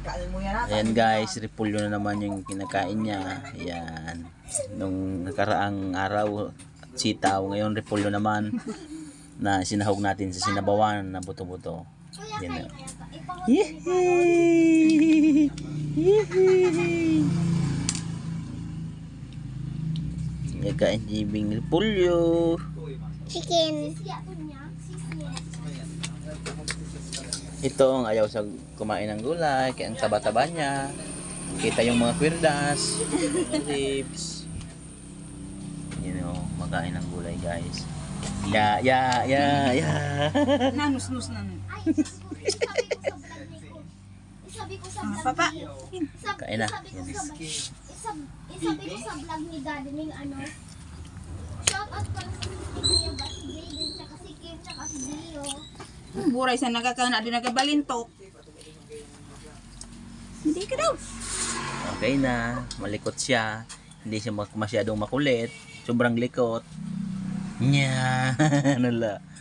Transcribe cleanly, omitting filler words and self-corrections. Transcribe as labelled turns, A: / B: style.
A: Ayan guys, repolyo na naman yung kinakain niya. Ayan. Nung nakaraang araw, sitaw. Ngayon, repolyo naman na sinahog natin sa sinabawan na buto-buto. Yan na. Yehey! Yehey! Nagkain jibing repolyo.
B: Chicken.
A: Ito ang ayaw sa kumain ng gulay, kaya ang taba-taba niya. Kita yung mga kwirdas, ribs. Makain ng gulay guys. Ya.
C: Nanus-nus na.
B: Isabi ko sa vlog
C: Papa.
A: Kain na.
B: Isabi ko sa vlog ni Gardening shout out pala sa Kuya ba si Jaden, tsaka si Kim, tsaka si Dio.
C: Buray sa nagkakana din nagabalintok. Hindi ka daw.
A: Okay na, malikot siya. Hindi siya masyadong makulit. Sobrang likot. Nya, nala.